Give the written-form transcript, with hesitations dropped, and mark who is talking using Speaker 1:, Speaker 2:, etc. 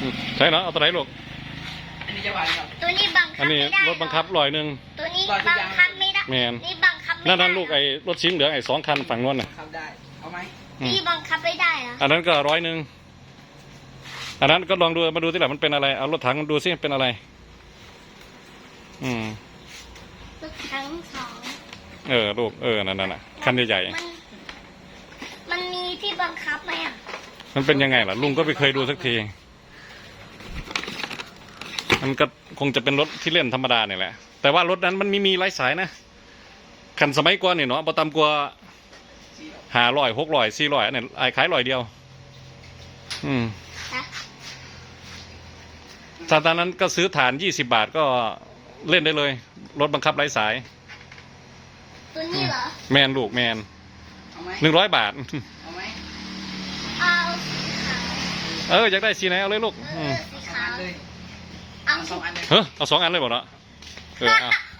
Speaker 1: ใช่เนาะเอาตัวไหนลูก
Speaker 2: อันนี้จะหวานครับ
Speaker 3: ตัวนี้บังคับ
Speaker 1: อันนี้
Speaker 3: ไม่ได้
Speaker 1: รถบังคับ100
Speaker 3: ตัวนี้บังคับไม่ได้
Speaker 1: แมน
Speaker 3: นี่บังคับไม่ได้
Speaker 1: นั่นลูกไอ้รถชิ้นเหลืองไอ้2 คันฝั่งนู้นน่ะ
Speaker 2: ครับได้เอาไหม
Speaker 3: นี่บังคับไม่ได้เหรอ
Speaker 1: อันนั้นก็100อันนั้นก็ลองดูมาดูที่หลังมันเป็นอะไรเอารถถังดูซิเป็นอะไร
Speaker 3: รถทั้งสอง
Speaker 1: ลูกนั่นน่ะคันใหญ่
Speaker 3: มันมีที่บังคับไหมอ่ะ
Speaker 1: มันเป็นยังไงล่ะลุงก็ไม่เคยดูสักทีมันก็คงจะเป็นรถที่เล่นธรรมดาเนี่ยแหละแต่ว่ารถนั้นมันมีไร้สายนะคันสมัยก่อนเนี่ยเนาะประตำกว่า500 600 400เนี่ยไอ้ขาย100เดียวตอนนั้นก็ซื้อฐาน20 บาทก็เล่นได้เลยรถบังคับไร้สาย
Speaker 3: ตัวนี้เหรอ
Speaker 1: แมนลูกแมน100 บาท
Speaker 2: เอาไหม
Speaker 3: เอาสีขาว
Speaker 1: อยากได้สีไหนเอาเลยลูก
Speaker 3: สีขาว
Speaker 2: เลย
Speaker 3: เอา
Speaker 2: 2 อันเลย
Speaker 1: เอา2 อันเลยบอกเนาะ